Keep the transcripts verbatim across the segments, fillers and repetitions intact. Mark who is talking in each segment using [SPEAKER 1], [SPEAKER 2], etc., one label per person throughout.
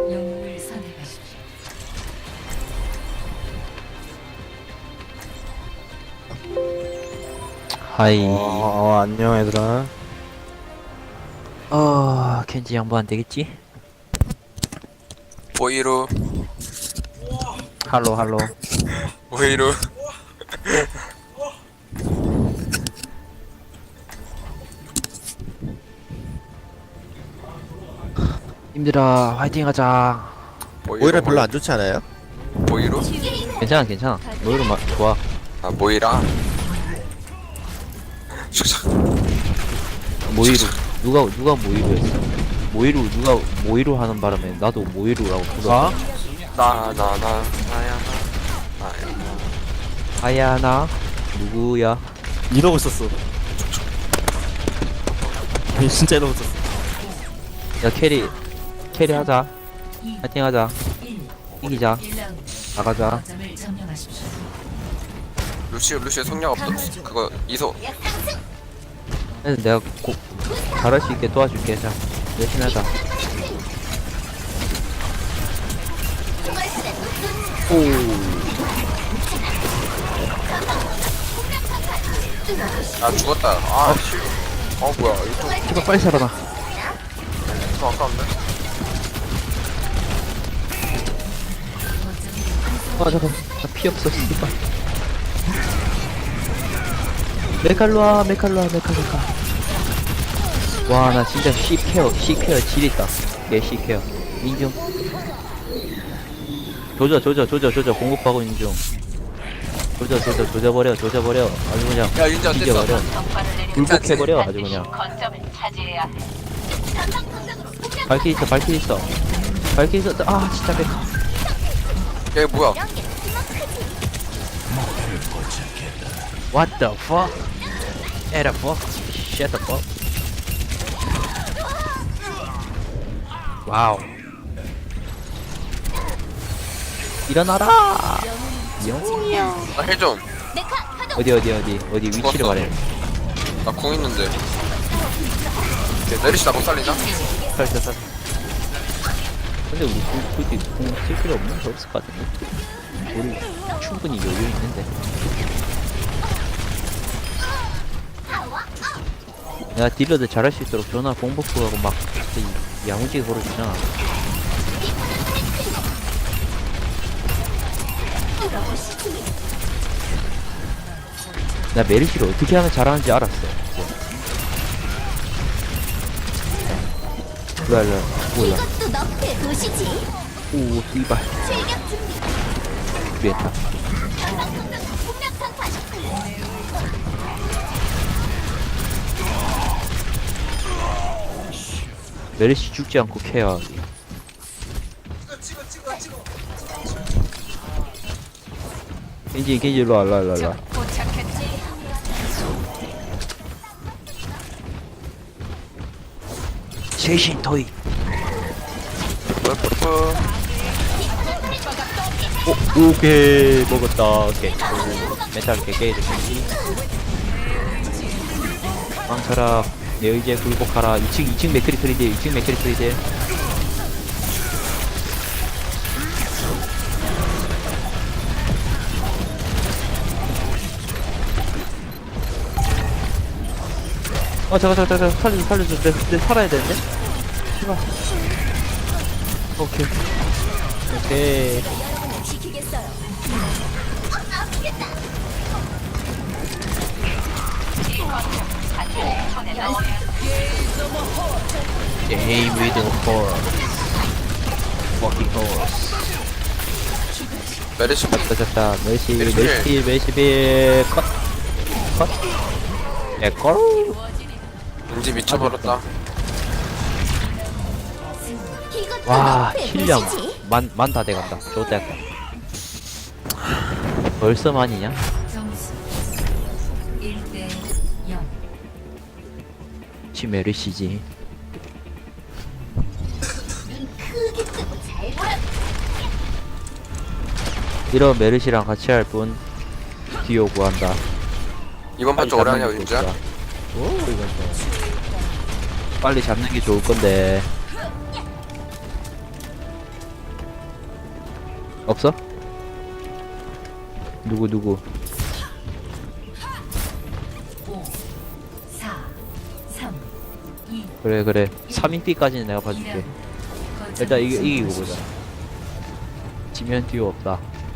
[SPEAKER 1] 영웅을 선택하십시오.
[SPEAKER 2] 하이.
[SPEAKER 3] 어, 어 안녕 얘들아.
[SPEAKER 2] 어, 켄지 양보 안 되겠지?
[SPEAKER 4] 오이루
[SPEAKER 2] 할로, 할로.
[SPEAKER 4] 오이루
[SPEAKER 2] 힘들어, 화이팅 하자.
[SPEAKER 3] 오히려 별로 안 좋지 않아요?
[SPEAKER 4] 모이루?
[SPEAKER 2] 괜찮아, 괜찮아. 너희로 막 좋아.
[SPEAKER 4] 아 모이라 슉슉
[SPEAKER 2] 모이루. 누가, 누가 모이루 했어? 모이루, 누가 모이루 하는 바람에 나도 모이루라고 불렀어.
[SPEAKER 4] 나나나 나야 나 나야
[SPEAKER 2] 아야, 나? 누구야?
[SPEAKER 3] 이러고 있었어. 아니 진짜 이러고 있었어.
[SPEAKER 2] 야, 캐리. 캐리 하자. 화이팅 하자. 이기자.
[SPEAKER 1] 일 라운드
[SPEAKER 2] 나가자.
[SPEAKER 1] 거점을 점령하십시오.
[SPEAKER 4] 루시오 루시오 성량 없어 그거 이소
[SPEAKER 2] 그래서 내가 고, 잘할 수 있게 도와줄게. 자, 열심히 하자.
[SPEAKER 4] 아 죽었다 아씨 어 뭐야 이거
[SPEAKER 2] 제발 빨리 살아나.
[SPEAKER 4] 좀 아까운데
[SPEAKER 2] 아, 잠깐. 나 피 없어, 씨발. 메칼로아, 메칼로아, 메칼, 메칼. 와, 나 진짜 C케어, C케어 지렸다. 얘 C케어. 인중. 조져, 조져, 조져, 조져. 공급하고 인중. 조져, 조져, 조져버려, 조져버려. 아주 그냥.
[SPEAKER 4] 야 윤지 안 됐어
[SPEAKER 2] 뒤져버려. 굴복해버려, 아주 그냥. 발키 있어, 발키 있어. 발키 있어. 아, 진짜 메칼.
[SPEAKER 4] 야 이거 뭐야
[SPEAKER 2] What the fuck? What the fuck? Shut the fuck. 와우. 일어나라. 영웅이야.
[SPEAKER 4] 나 헬좀
[SPEAKER 2] 어디 어디 어디 어디 위치를
[SPEAKER 4] 죽었어.
[SPEAKER 2] 말해.
[SPEAKER 4] 나 공 있는데 내리시 나못 살리나?
[SPEAKER 2] 살짝 살. 근데 우리 그- 그렇게 공쓸 필요 없는 거 없을 것 같은데. 우리 충분히 여유 있는데. 내가 딜러들 잘할 수 있도록 전화 공복부하고 막 진짜 이- 야무지게 걸어주잖아. 나 메리시를 어떻게 하면 잘하는지 알았어. 일로와 일로와. 몰라.
[SPEAKER 5] 이것도 너프의 도시지.
[SPEAKER 2] 오 이발.
[SPEAKER 5] 출격 준비.
[SPEAKER 2] 준비했다.
[SPEAKER 5] 폭력탄판.
[SPEAKER 2] 메리시 죽지 않고 케어하기. 겐지 겐지 일로와 일로와 일로와 일로와. 최신 토이.
[SPEAKER 4] 뿌뿌뿌
[SPEAKER 2] 오, 오케이 먹었다. 오케이. 오, 메탈 개개이드 겐지. 망쳐라. 내 의지에 굴복하라. 이 층 이 층 맥크리 트리드 이 층 맥크리 트리드. 어 잠깐 잠깐 잠깐 살려줘 살려줘. 내, 내 살아야 되는데? 제발. 오케이 오케이.
[SPEAKER 5] 지키겠어요.
[SPEAKER 2] Game with the horse. Fucking horse.
[SPEAKER 4] 메리시
[SPEAKER 2] 잡다 잡다. 멜시
[SPEAKER 4] 멜시.
[SPEAKER 2] 멜시 멜시빌 컷. 컷. 에걸.
[SPEAKER 4] 윤지 미쳐버렸다
[SPEAKER 5] 이것도
[SPEAKER 2] 와
[SPEAKER 5] 너프의
[SPEAKER 2] 실력
[SPEAKER 5] 도시지.
[SPEAKER 2] 만만 다 돼간다. 좋다. 벌써 만이냐?
[SPEAKER 1] 점수 일 대 영.
[SPEAKER 2] 지 메르시지.
[SPEAKER 5] 크게 뜨고 잘 보라.
[SPEAKER 2] 이런 메르시랑 같이 할 분 디오 구한다.
[SPEAKER 4] 이번 판 좀 오래 하냐 윤지야?
[SPEAKER 2] 오 이건 좀 빨리 잡는 게 좋을 건데. 없어? 누구 누구?
[SPEAKER 1] 오, 사, 삼, 이,
[SPEAKER 2] 그래 그래 삼 인피까지는 내가 봐줄게. 일단 이기, 이기고 보자. 지면 뒤로 없다.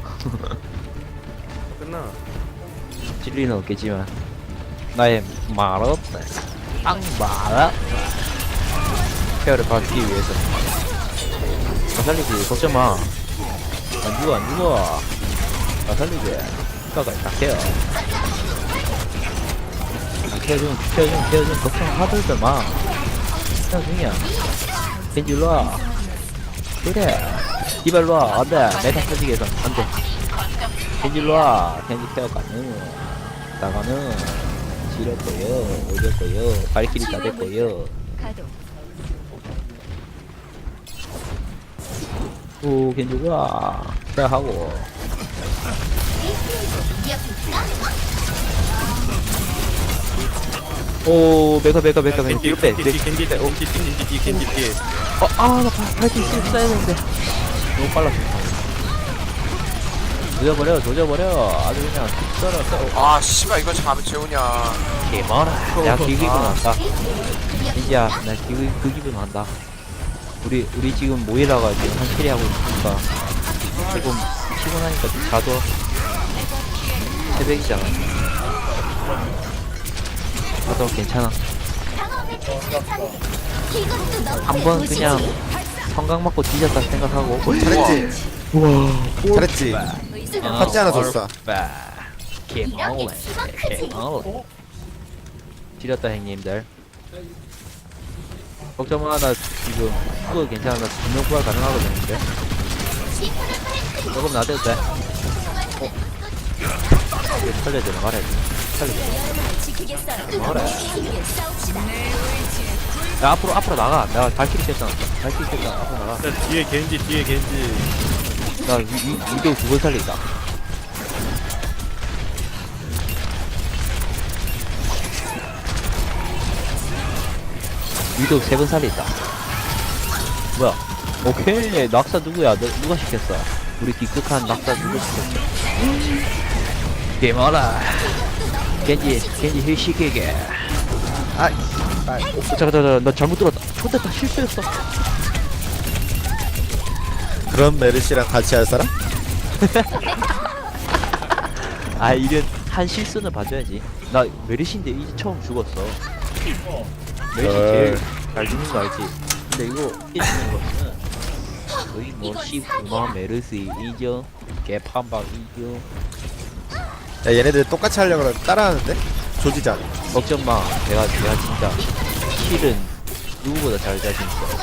[SPEAKER 3] 끝나.
[SPEAKER 2] 진리는 없겠지만 나의 말 없다. 앙말 없다. 케어를 받기 위해서. 나 살리지 걱정 마. 안 죽어 안 죽어. 나 살리지. 가가 다 케어. 다 케어 좀 케어 좀 케어 좀 걱정하들들 마. 케어 중이야. 겐지 일로와. 그래. 이발 일로와. 안돼. 메타 터지게 해서 안돼. 겐지 일로와. 겐지 케어 가능. 나가는 지렸고요. 오졌고요. 발길이 다 됐고요.
[SPEAKER 5] 가동.
[SPEAKER 2] 오 겐지가 케어하고. 오 메가 메가 메가 메가 뒤로 빼.
[SPEAKER 3] 겐지 겐지 겐지 겐지 겐지 겐지 뒤에.
[SPEAKER 2] 어아나 발길 쏘 써야 되는데 너무 빨랐어. 조져버려 조져버려 아주 그냥 썰어 썰어.
[SPEAKER 4] 아 씨발 이거 참 재우냐.
[SPEAKER 2] 개머라. 내가 그 기분 한다. 겐지야 나 그, 그 기분 한다. 우리 우리 지금 모이라가 지금 한 캐리 하고 있으니까 조금 피곤하니까 좀 자도. 새벽이잖아. 자도 괜찮아. 한 번 그냥 성강 맞고 뒤졌다 생각하고.
[SPEAKER 3] 잘했지.
[SPEAKER 2] 우와.
[SPEAKER 3] 잘했지. 팥지 하나 줬어.
[SPEAKER 2] 개마오네. 개마오. 지렸다 형님들. 걱정 마. 나 지금 그거 괜찮아. 나 분명 부활 가능하거든. 근데 조금 놔둬도 돼. 어? 이거 살려주는 말해야지. 살려줘.
[SPEAKER 5] 지키겠어요.
[SPEAKER 2] 뭐래?
[SPEAKER 5] 함께 싸웁시다.
[SPEAKER 2] 야 앞으로 앞으로 나가. 내가 발키리 뺐잖아. 발키리 뺐잖아. 앞으로 나가.
[SPEAKER 3] 뒤에 겐지 뒤에 겐지.
[SPEAKER 2] 나 위, 위, 위도 두 번 살린다. 위도 세 번 살린다. 뭐야? 오케이. 낙사 누구야? 너, 누가 시켰어? 우리 기특한 낙사 누가 시켰어? 개마라. 겐지, 겐지 힐 시키게. 아, 아, 어, 잠깐, 잠깐, 나 잘못 들었다. 초대다 실수했어.
[SPEAKER 3] 그런 메르시랑 같이 할 사람?
[SPEAKER 2] 아 이런 한 실수는 봐줘야지. 나 메르시인데 이제 처음 죽었어. 메르시 제일 잘 죽는 거 알지? 근데 이거 깨지는 거는 거의 뭐 십구만 메르시 이죠. 개판박 이죠.
[SPEAKER 3] 야 얘네들 똑같이 하려고 그러면 따라하는데? 조지자.
[SPEAKER 2] 걱정 마. 내가 내가 진짜 킬은 누구보다 잘 자신 있어.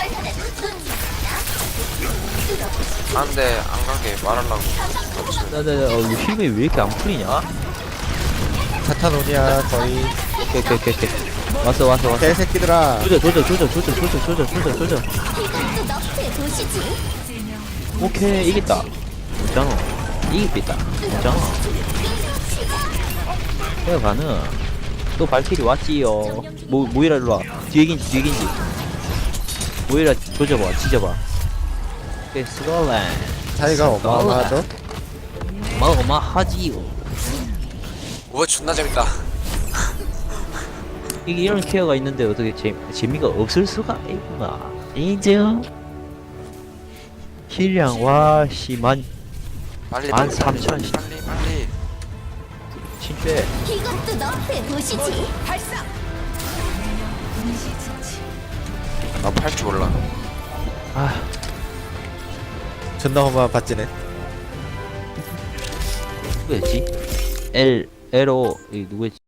[SPEAKER 4] 안돼 안 가게 말하려고.
[SPEAKER 2] 나나나 어, 이거 힐이 왜 이렇게 안 풀리냐?
[SPEAKER 3] 사탄오니아 거의.
[SPEAKER 2] 오케이 오케이 오케이 오케이. 왔어 왔어 왔어.
[SPEAKER 3] 개새끼들아.
[SPEAKER 2] 조져 조져 조져 조져 조져 조져 조져 조져.
[SPEAKER 5] 이것도 너프에 보시지.
[SPEAKER 2] 오케이 이겼다. 괜찮아. 이기겠다. 괜찮아. 해가 가는. 또 발키리 왔지요. 모 모이라 일로 와. 뒤에 긴지 뒤에 긴지. 모이라 조져봐 지져봐. 오케이 스컬렌.
[SPEAKER 3] 차이가 어마어마하죠?
[SPEAKER 2] 어마어마하지요.
[SPEAKER 4] 우와 존나 재밌다.
[SPEAKER 2] 이게 이런 케어가 있는데 어떻게 재 재미가 없을 수가 있나? 인정. 힐량 와씨만
[SPEAKER 4] 빨리
[SPEAKER 2] 만
[SPEAKER 4] 빨리
[SPEAKER 2] 삼천
[SPEAKER 4] 빨리 빨리 빨리.
[SPEAKER 2] 진짜.
[SPEAKER 5] 이것도 너프에 보시지. 발사.
[SPEAKER 4] 나팔 줄 몰라.
[SPEAKER 2] 아
[SPEAKER 3] 존나 험한 밭지네.
[SPEAKER 2] 누구였지? L L O 이 누구였지?